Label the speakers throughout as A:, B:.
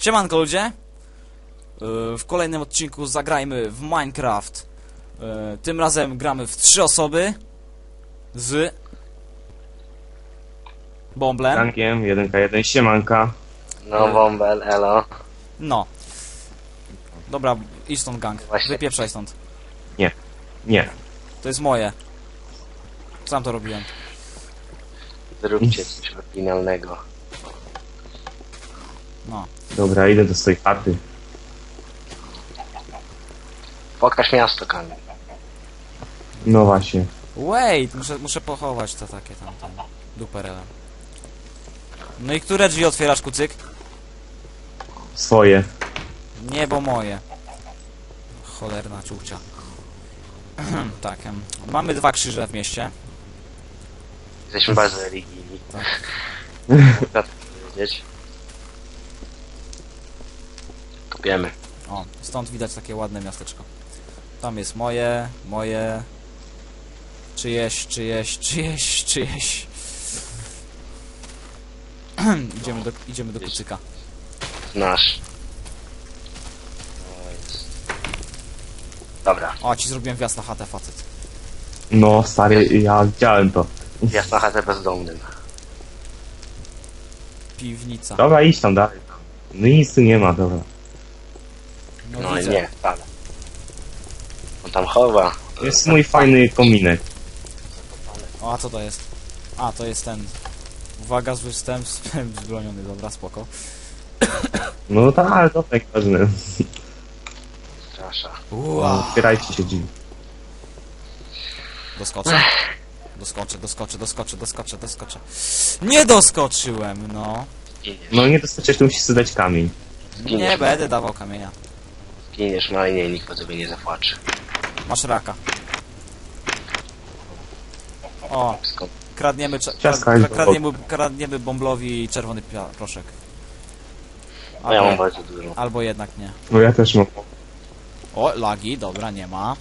A: Siemanko ludzie! W kolejnym odcinku zagrajmy w Minecraft. Tym razem gramy w 3 osoby z Bomblem.
B: Tankiem, 1k1, siemanka.
C: No, Bombel, elo.
A: No. Dobra, idź stąd gang.
C: Właśnie.
A: Wypieprzaj stąd.
B: Nie.
A: To jest moje. Sam to robiłem.
C: Zróbcie coś oryginalnego.
A: No.
B: Dobra, idę do swojej chaty.
C: Pokaż miasto, Kamil.
B: No właśnie.
A: Wait, muszę pochować to takie tam duperele. No i które drzwi otwierasz, kucyk?
B: Swoje.
A: Nie, bo moje. Cholerna ciuchcia. Tak, mamy 2 krzyże w mieście.
C: Jesteśmy bardzo religijni.
A: Tak.
C: Można to powiedzieć. Kopiemy.
A: O, stąd widać takie ładne miasteczko. Tam jest moje. Czyjeś. Idziemy do kucyka.
C: Znasz. O, jest. Dobra,
A: O, ci zrobiłem wjazd na chatę, facet.
B: No stary, ja widziałem to.
C: wjazd na chatę bezdomnym.
A: Piwnica.
B: Dobra, idź tam dalej. No i nic tu nie ma, dobra.
C: No i
A: widzę.
C: nie, wcale. On tam chowa.
B: Jest mój fajny kominek.
A: O, a co to jest? A, to jest ten. Uwaga, zły wstęp zbroniony, dobra, spoko.
B: No tak, ale to tak ważne.
C: Strasza.
B: No, otwierajcie się drzwi.
A: Doskoczę. Doskoczę. Nie doskoczyłem, no.
C: Zginiesz.
B: No nie dostarczysz, to musisz sobie dać kamień.
A: Nie będę dawał kamienia.
C: Zginiesz malnie i nikt po sobie nie zapłacze.
A: Masz raka. O,
C: Skąd?
A: kradniemy,
B: Ciastka jest
A: kradniemy Bomblowi czerwony proszek.
C: No ja mam bardzo dużo.
A: Albo jednak nie.
B: No ja też mam.
A: O, lagi, dobra, nie ma.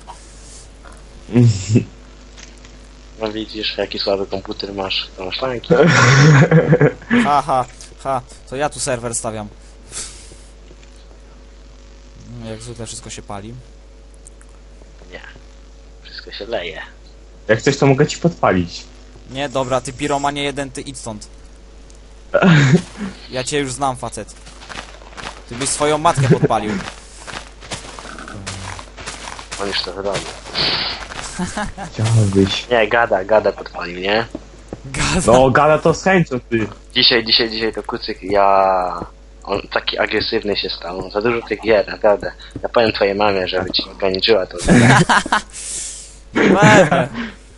C: No widzisz, jaki słaby komputer masz. To masz tanki.
A: Ha, to ja tu serwer stawiam. Jak zwykle wszystko się pali.
C: Nie. Wszystko się leje.
B: Jak chcesz, to mogę ci podpalić.
A: Nie, dobra, ty piromanie jeden, ty idź stąd. Ja cię już znam, facet. Ty byś swoją matkę podpalił.
C: On już to wyrobił.
B: Chciałbyś.
C: Nie, gada podpalił, nie?
A: Gaza.
B: No, gada to z chęcią, ty.
C: Dzisiaj to kucyk, on taki agresywny się stał, on za dużo tych gier, naprawdę. Ja powiem twojej mamie, żeby ci ograniczyła to.
A: Weźmy.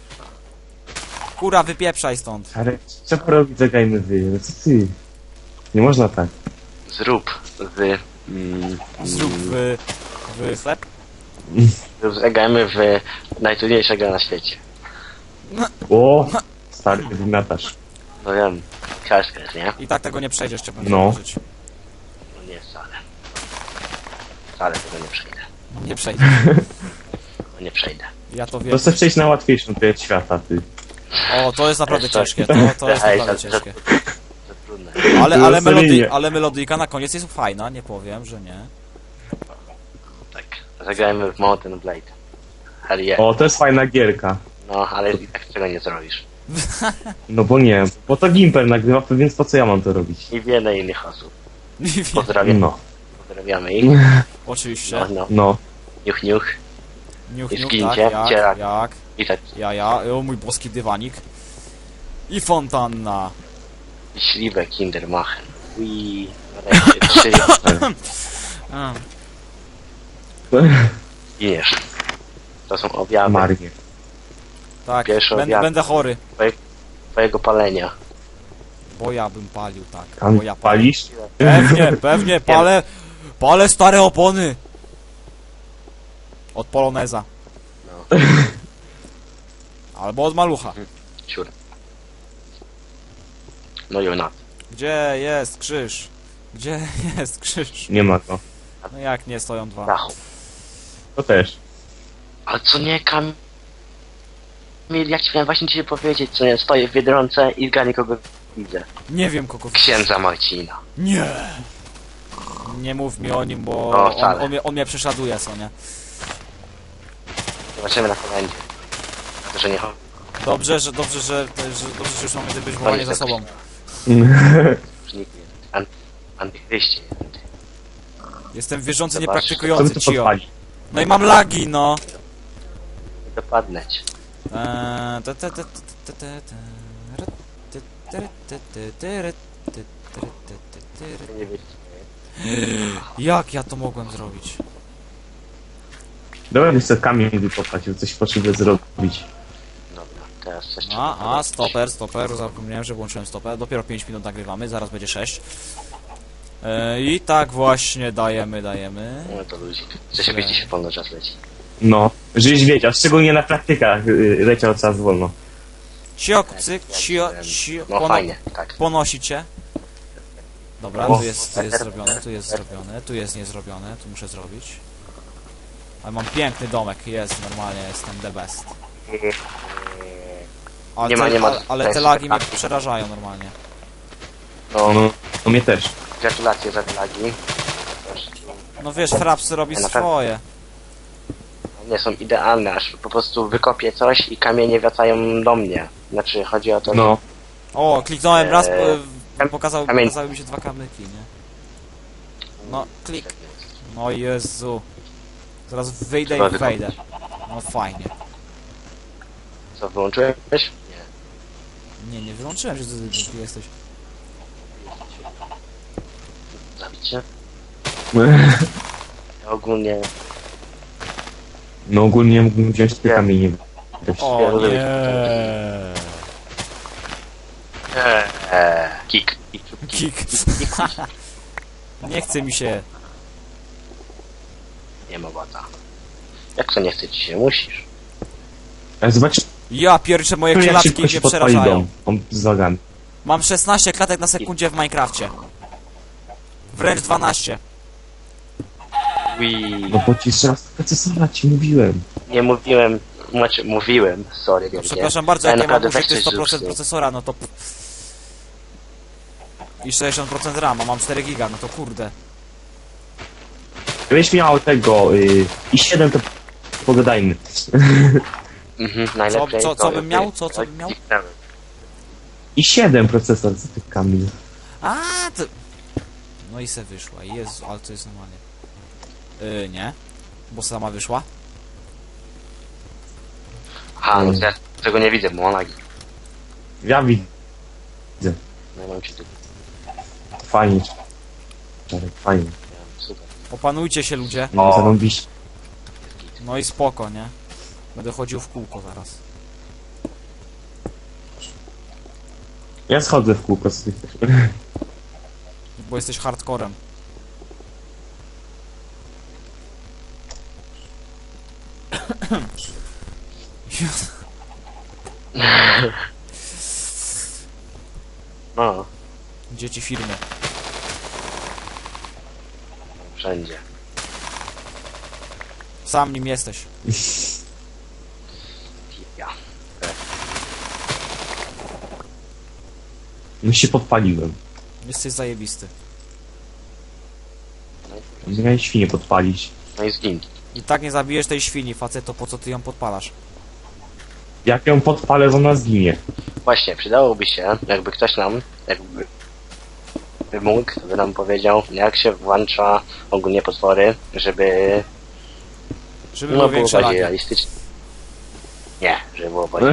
A: Kura, wypieprzaj stąd.
B: Ale trzeba robić, zagrajmy wy. No co ty? Nie można tak.
C: Zrób
A: Zrób w chleb.
C: zagrajmy w najtrudniejsza gra na świecie.
B: O, stary, wymiotasz.
C: No wiem, ciężko jest, nie?
A: I tak tego nie przejdziesz, trzeba
B: No.
A: żyć.
C: No nie wcale. Wcale tego nie przejdę.
A: Nie przejdziesz.
C: No nie przejdę.
A: Ja to wiem.
B: To chcesz przejść na łatwiejszą tryb świata, ty.
A: O, to jest naprawdę ciężkie. To jest
C: Ej,
A: naprawdę ciężkie.
C: Za trudne.
A: Ale melodyjka na koniec jest fajna, nie powiem, że nie.
C: Tak. Zagrajmy w Mountain Blade. Hell yeah.
B: O, to jest fajna gierka.
C: No, ale i tak tego nie zrobisz.
B: No bo nie, bo to Gimper nagrywa, więc po co ja mam to robić?
C: I wiele innych osób.
A: Nie wiem.
C: Pozdrawiamy.
B: No,
C: Pozdrawiamy ich.
A: Oczywiście.
C: No.
B: no.
C: Niuch, niuch.
A: Niuch,
C: I
A: niuch,
C: zgincie,
A: tak,
C: cierak.
A: jak.
C: I tak.
A: O mój boski dywanik. I fontanna.
C: I śliwe Kindermachen. Ui. Nareszcie 3.
A: A,
C: Giniesz. To są objawy
B: Marnie.
A: tak,
C: Pierwszy obiad.
A: będę chory.
C: twojego palenia.
A: Bo ja bym palił, tak.
B: Tam
A: Bo ja palę.
B: palisz?
A: Pewnie, palę stare opony. Od Poloneza.
C: No.
A: Albo od Malucha.
C: Siur. No i ona.
A: Gdzie jest krzyż? Gdzie jest krzyż?
B: Nie ma to.
A: No jak nie, stoją 2.
C: Dachu.
B: To też.
C: Ale co nie, Kamil, ja ci miałem właśnie dzisiaj powiedzieć, co nie, stoję w Biedronce i zgadnij kogo widzę.
A: Nie wiem kogo...
C: Księdza Marcina.
A: Nie! Nie mów mi o nim, bo
C: No, wcale.
A: on mnie prześladuje, co nie?
C: Zobaczymy na komendzie. Na to, że nie chodzi.
A: Dobrze, że już mamy te wywołanie za sobą.
C: Antychryści.
A: Jestem wierzący,
C: Zobacz.
B: Co mi
A: niepraktykujący,
B: tu
A: cio.
B: podpali?
A: No i mam lagi, no.
C: Nie dopadnę cię. Nie wiecie.
A: Jak ja to mogłem zrobić?
B: Dobra, wiesz co, kamień wykopać, bo coś potrzebuję zrobić.
C: Dobra, teraz coś trzeba
A: A,
C: zrobić.
A: stoper, zapomniałem, że włączyłem stoper. Dopiero 5 minut nagrywamy, zaraz będzie 6. I tak właśnie dajemy.
C: No to ludzi. Chce się wiedzieć, wolno czas leci.
B: No, żebyś wiedział, szczególnie na praktykach leciał czas wolno.
A: Ciok, cyk, cio.
C: No fajnie, tak.
A: Ponosi cię. Dobra,
B: O.
A: tu jest zrobione, tu jest zrobione, tu jest niezrobione, tu muszę zrobić. Ale mam piękny domek, jest, normalnie jestem the best. Ale
C: Nie ma
A: ale te
C: sensu,
A: lagi mnie
C: tak.
A: przerażają normalnie.
C: No,
B: No mnie też.
C: gratulacje za te lagi.
A: No wiesz, Fraps robi
C: Ja naprawdę-
A: swoje.
C: Nie są idealne, aż po prostu wykopię coś i kamienie wracają do mnie. Znaczy, chodzi o to, że
B: No.
A: O, kliknąłem raz,
C: Kam-
A: pokazały mi się 2 kamyki, nie? No, klik. No Jezu. Zaraz wyjdę
C: Trzeba
A: i wejdę. No fajnie.
C: Co, wyłączyłeś? Nie.
A: Nie wyłączyłem, że ty jesteś.
C: Zabić się? Ja ogólnie...
B: No ogólnie mógłbym wziąć te kamienie.
A: O nie.
C: Kik.
A: Kik. Nie chce mi się.
C: Nie ma bata. Jak to nie chce ci się? Musisz.
B: Ale zobacz,
A: Ja pierczę, moje
B: jak
A: klatki
B: szybko
A: mnie
B: się podpali
A: przerażają.
B: dom. On z lagami.
A: Mam 16 klatek na sekundzie w Minecrafcie. Wręcz 12.
C: Wii.
B: No bo ci jeszcze raz procesora ci mówiłem.
C: Nie mówiłem... Znaczy, mówiłem. Sorry,
A: No,
C: wielkie.
A: przepraszam bardzo,
C: Ale
A: jak ja mam
C: naprawdę
A: użyty
C: weź coś
A: 100%
C: zrób z tym.
A: procesora, no to... I 60% RAM, a mam 4 giga, no to kurde.
B: Gdybyś miał tego i 7 to pogadajmy.
C: Mhm, najlepiej
A: Co bym miał? Co bym miał?
B: I 7 procesor z tych kamieni.
A: A, to... No i se wyszła, Jezu, ale to jest normalnie. Nie. Bo sama wyszła.
C: Aha, no to ja tego nie widzę, bo mam lagi.
B: Ja widzę.
C: No ja mam ci tu.
B: Fajnie. Czarek, fajnie.
C: Super.
A: Opanujcie się, ludzie.
B: No, zarąbiście.
A: No i spoko, nie? Będę chodził w kółko zaraz.
B: Ja schodzę w kółko z tych.
A: Bo jesteś hardcorem.
C: No,
A: Dzieci firmy.
C: wszędzie.
A: Sam nim jesteś.
C: Ja.
B: No się podpaliłem.
A: Jesteś zajebisty.
B: Miałem świnie podpalić.
C: No i zgin.
A: I tak nie zabijesz tej świni, faceto, po co ty ją podpalasz?
B: Jak ją podpalę, to ona zginie.
C: Właśnie, przydałoby się, jakby ktoś nam, jakby mógł, by nam powiedział, jak się włącza ogólnie potwory, żeby
A: Żeby
C: no,
A: było
C: było
A: większe
C: bardziej
A: lagi.
C: realistyczne. Nie, żeby było bardziej...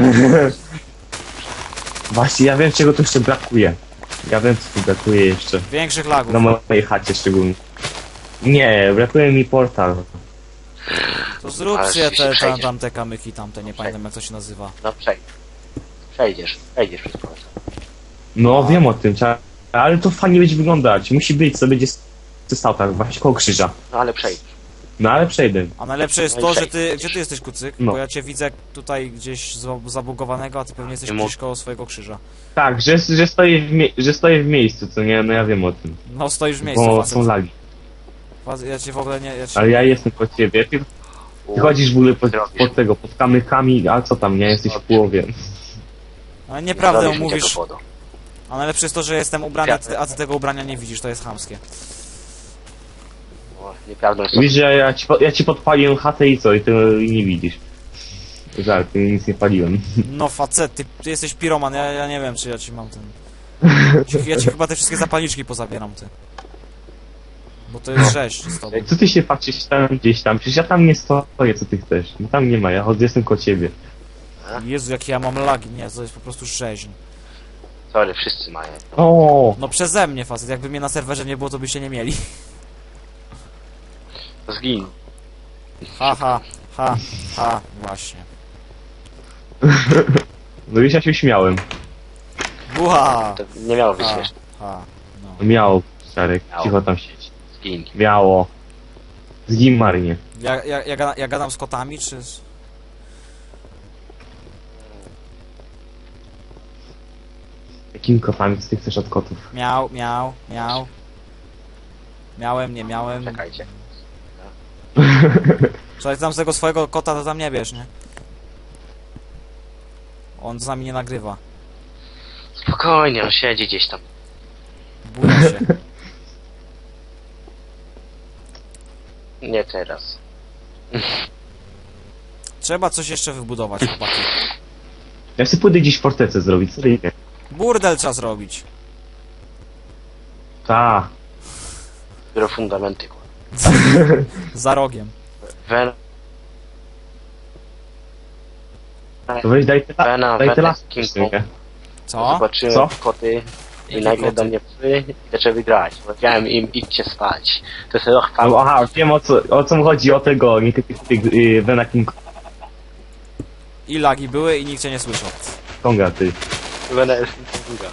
B: Właśnie, ja wiem czego tu jeszcze brakuje. Ja wiem co tu brakuje jeszcze.
A: Większych lagów.
B: Na mojej chacie szczególnie. Nie, brakuje mi portal.
A: To zrób
C: Ale
A: się
C: się przejdziesz.
A: tamte kamyki, tamte, nie pamiętam jak to się nazywa.
C: No przejdziesz przez portal.
B: No wiem o tym, ale to fajnie będzie wyglądać. Musi być, co będzie stał tak, właśnie koło krzyża.
C: No ale przejdziesz.
B: No ale przejdę.
A: A najlepsze jest
C: No i
A: to, że
C: przejdź.
A: gdzie ty jesteś, kucyk?
B: No.
A: Bo ja cię widzę tutaj gdzieś zabugowanego, a ty pewnie jesteś
C: Nie
A: gdzieś koło swojego krzyża.
B: Tak, że stoję w miejscu, co nie? No ja wiem o tym.
A: No stoisz w miejscu,
B: Bo
A: facet.
B: są lagi.
A: Ja cię w ogóle nie... Ja cię...
B: Ale ja jestem po ciebie. Ty chodzisz w ogóle pod tego, pod kamykami, a co tam, nie? Jesteś w połowie.
A: Ale nieprawdę
C: Zrobisz mi
A: mówisz.
C: tego powodu.
A: A najlepsze jest to, że jestem ubrany, a ty tego ubrania nie widzisz, to jest chamskie.
C: O, nieprawdą jest
B: Widzisz, że ja ci podpaliłem chatę i co? I ty nie widzisz. Żart, ty nic nie paliłem.
A: No facet, ty jesteś piroman, ja nie wiem czy ja ci mam ten... Ja ci chyba te wszystkie zapalniczki pozabieram, ty. Bo to jest rzeź z tobą.
B: Co ty się patrzysz tam gdzieś tam? Przecież ja tam nie stoję, co ty chcesz. No tam nie ma, ja jestem koło ciebie.
A: Jezu, jakie ja mam lagi, nie, to jest po prostu rzeźń.
C: Sorry, wszyscy mają.
B: O,
A: No przeze mnie facet, jakby mnie na serwerze nie było, to byście nie mieli.
C: Zgin.
A: Ha, właśnie.
B: no już ja się śmiałem.
A: Buha!
C: To nie miało być
A: Ha,
C: śmieszne.
A: no.
B: Miało, Czarek,
C: Miało.
B: cicho tam siedź.
C: Zgin.
B: Miało. Zgin marnie.
A: Ja gadam z kotami, czy...
B: Jakimi kotami, co ty chcesz od kotów?
A: Miał. Miałem, nie miałem.
C: Czekajcie.
A: Słuchaj, tam z tego swojego kota to tam nie bierz, nie? On z nami nie nagrywa.
C: Spokojnie, on siedzi gdzieś tam.
A: Buja się.
C: Nie teraz.
A: Trzeba coś jeszcze wybudować, chłopaki.
B: Ja chcę pójdę gdzieś fortecę zrobić, co nie?
A: Burdel trzeba zrobić.
B: Ta.
C: Dopiero fundamenty. kurwa.
A: Za rogiem.
C: Wen...
B: To weź daj te
C: Wena,
B: daj te
C: Wena,
B: lasy.
C: King Kong.
A: Co?
C: Zobaczyłem
B: Co?
C: koty i
A: Jakie
C: nagle
A: koty?
C: do mnie psy i zaczęły grać. Powiedziałem im, idźcie spać. To jest rok
B: No, aha, wiem o co mu chodzi, o tego, nie Vena King
A: I lagi były i nikt cię nie słyszał.
B: Konga, ty.
C: Wena jest druga.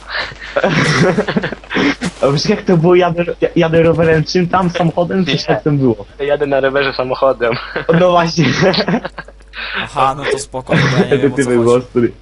B: A wiesz jak to było, jadę rowerem, czym tam, samochodem, czy
C: Nie.
B: jak tam było?
C: Jadę na rowerze samochodem.
B: No właśnie,
A: Aha, no to spoko, ja nie
B: wtedy
A: wiem o
B: ty
A: co
B: był
A: chodzi.
B: ostry.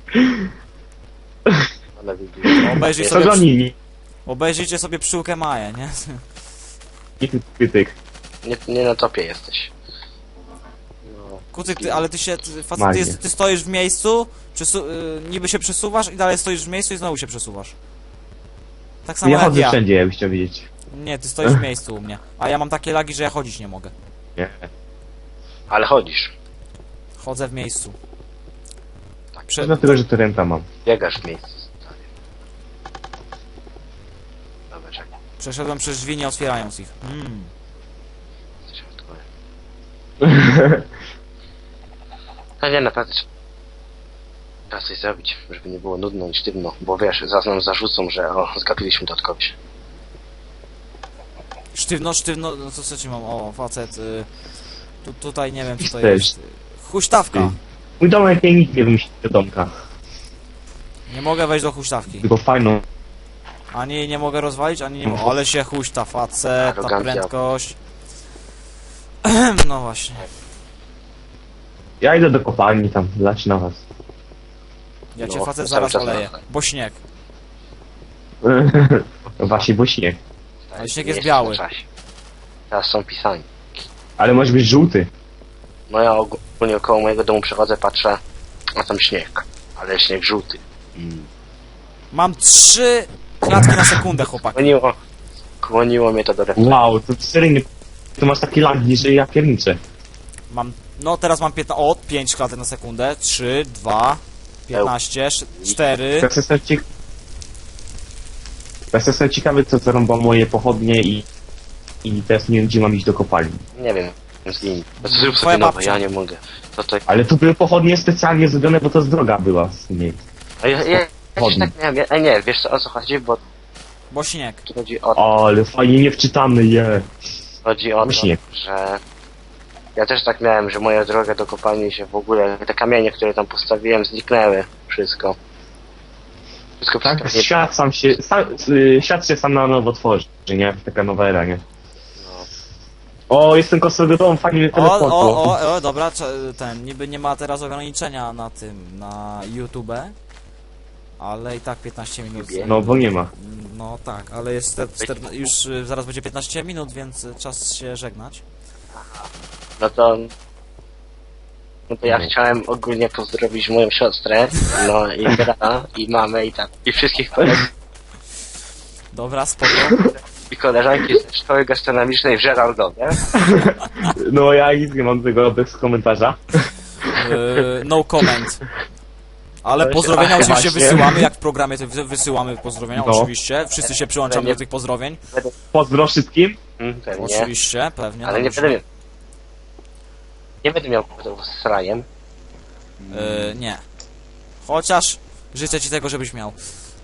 C: Ale wybiegł.
A: Obejrzyj
B: Co
A: sobie,
B: za nimi?
A: obejrzyjcie sobie pszczółkę Maję, nie?
B: I ty pytyk.
C: Nie na topie jesteś. No.
A: Kucyk, ty, ale ty się, facet,
B: Magie.
A: ty stoisz w miejscu, niby się przesuwasz i dalej stoisz w miejscu i znowu się przesuwasz. Tak samo
B: Ja
A: jak
B: chodzę
A: ja.
B: wszędzie, jakbyś chciał wiedzieć.
A: Nie, ty stoisz w miejscu u mnie. A ja mam takie lagi, że ja chodzić nie mogę.
B: Nie.
C: Ale chodzisz.
A: Chodzę w miejscu.
C: Tak.
A: Prze
B: Dlatego, że to renta mam.
C: Biegasz w miejscu. stary. Dobra, czekaj.
A: Przeszedłem przez drzwi, nie otwierając ich.
C: Jesteśmy w tyle. No nie, naprawdę trzeba coś zrobić, żeby nie było nudno i sztywno, bo wiesz, zaraz nam zarzucą, że zgapiliśmy to od kogoś.
A: Sztywno, no co ci mam? O, facet. Tutaj nie wiem co to
B: Też.
A: jest. Huśtawka.
B: Mój domek nie nikt nie wymyślił do domka.
A: Nie mogę wejść do huśtawki.
B: Tylko fajną.
A: Ani jej nie mogę rozwalić, ani nie mogę. Ale się huśta, facet, ta
C: Arogancja.
A: prędkość. No właśnie.
B: Ja idę do kopalni tam, lać na was.
A: Ja cię
C: No,
A: facet
C: cały
A: zaraz
C: czas
A: oleję.
C: na-
A: Bo śnieg.
B: No właśnie, bo śnieg.
A: Ale śnieg
C: Nie
A: jest biały.
C: na czasie. Teraz są pisani.
B: Ale może być żółty.
C: No ja ogólnie około mojego domu przechodzę, patrzę, a tam śnieg. Ale śnieg żółty.
A: Mam 3 klatki na sekundę, chłopak.
C: Kłoniło mnie to do refleksu.
B: Wow, to seryjnie. Tu masz takie lagi, że ja pierniczę.
A: Mam, no teraz mam 15, o, 5 klatek na sekundę. 3, 2, 15, 4.
B: Ja jestem ciekawy, co zarąba moje pochodnie i teraz nie wiem, gdzie mam iść do kopalni.
C: Nie wiem, zgiń. Zrób
A: Twoja
C: sobie nowe,
A: babcia.
C: ja nie mogę. To to...
B: Ale to były pochodnie specjalnie zrobione, bo to z droga była w sumie.
C: A ja też tak miałem, nie, wiesz co, o co chodzi, bo
A: Bo śnieg.
C: tu chodzi o
B: Ale fajnie niewczytany je.
C: Chodzi o to,
B: Właśnie.
C: że ja też tak miałem, że moja droga do kopalni się w ogóle, te kamienie, które tam postawiłem, zniknęły. Wszystko. Wszystko
B: Tak?
C: przestawię.
B: Świat się sam na nowo tworzy, nie? Taka nowa era, nie?
C: No.
B: O, jestem kosowy dom, fajnie mnie teleportło.
A: O, dobra, ten, niby nie ma teraz ograniczenia na tym, na YouTube. Ale i tak 15 minut.
B: No, bo nie ma.
A: No tak, ale jest już zaraz będzie 15 minut, więc czas się żegnać.
C: No to ja chciałem ogólnie pozdrowić moją siostrę, no i brata, i mamę, i tak, i wszystkich kolegów.
A: Dobra, spoko.
C: i koleżanki ze szkoły gastronomicznej w Żeraldowie.
B: No ja nic nie mam do tego bez komentarza.
A: No comment. Ale
C: Ale się-
A: pozdrowienia
B: Ach,
A: oczywiście
B: właśnie.
A: wysyłamy, jak w programie to wysyłamy pozdrowienia,
B: No.
A: oczywiście. Wszyscy się przyłączamy do tych pozdrowień.
B: Pozdro wszystkim.
C: Pewnie.
A: Oczywiście, pewnie.
C: Ale nie
A: dobrze.
C: będę miał... Nie będę miał kłopotów z srajem.
A: Nie. Chociaż życzę ci tego, żebyś miał.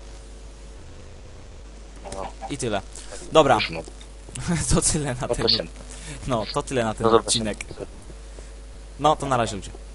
C: No,
A: I tyle. Dobra,
C: już mogę.
A: to tyle na
C: No
A: ten.
C: to się...
A: No, to tyle na ten
C: No dobra.
A: odcinek. No, to na razie ludzie.